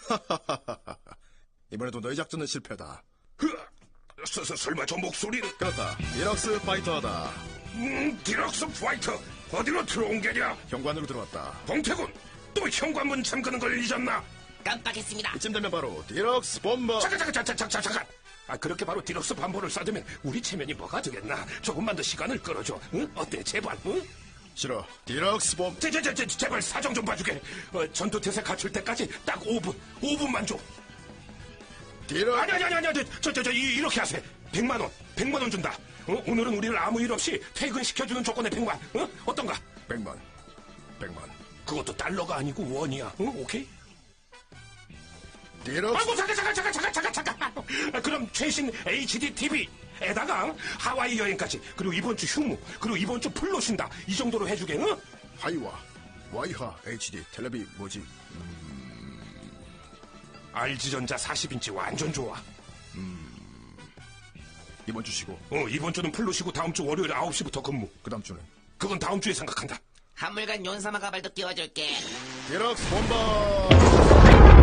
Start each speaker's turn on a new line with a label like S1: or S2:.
S1: 이번에도 너희 작전은 실패다.
S2: 설마 저 목소리는?
S1: 그렇다. 디럭스 파이터다.
S2: 디럭스 파이터. 어디로 들어온 게냐?
S1: 현관으로 들어왔다.
S2: 봉태군, 또 현관문 잠그는 걸 잊었나?
S3: 깜빡했습니다.
S1: 이쯤 되면 바로 디럭스 본버.
S2: 잠깐. 그렇게 바로 디럭스 반보를 쏴두면 우리 체면이 뭐가 되겠나? 조금만 더 시간을 끌어줘. 응? 어때, 제발, 응?
S1: 싫어. 디럭스 본.
S2: 제발 사정 좀 봐주게. 전투태세 갖출 때까지 딱 5분만 줘.
S1: 디럭스.
S2: 아니, 이렇게 하세요. 100만 원 준다. 오늘은 우리를 아무 일 없이 퇴근시켜주는 조건에 100만. 어떤가?
S1: 100만.
S2: 그것도 달러가 아니고 원이야. 오케이?
S1: 디럭스.
S2: 아이고, 잠깐. 그럼 최신 HD TV에다가 하와이 여행까지, 그리고 이번 주 휴무, 그리고 이번 주 풀로 쉰다. 이 정도로 해주게, 응?
S1: 하이와 와이하 HD 텔레비 뭐지?
S2: RG전자 40인치 완전 좋아.
S1: 이번 주 쉬고.
S2: 이번 주는 풀로 쉬고 다음 주 월요일 9시부터 근무.
S1: 그 다음 주는?
S2: 그건 다음 주에 생각한다.
S3: 한물간 윤사마 가발도 끼워줄게.
S1: 디럭스 본버.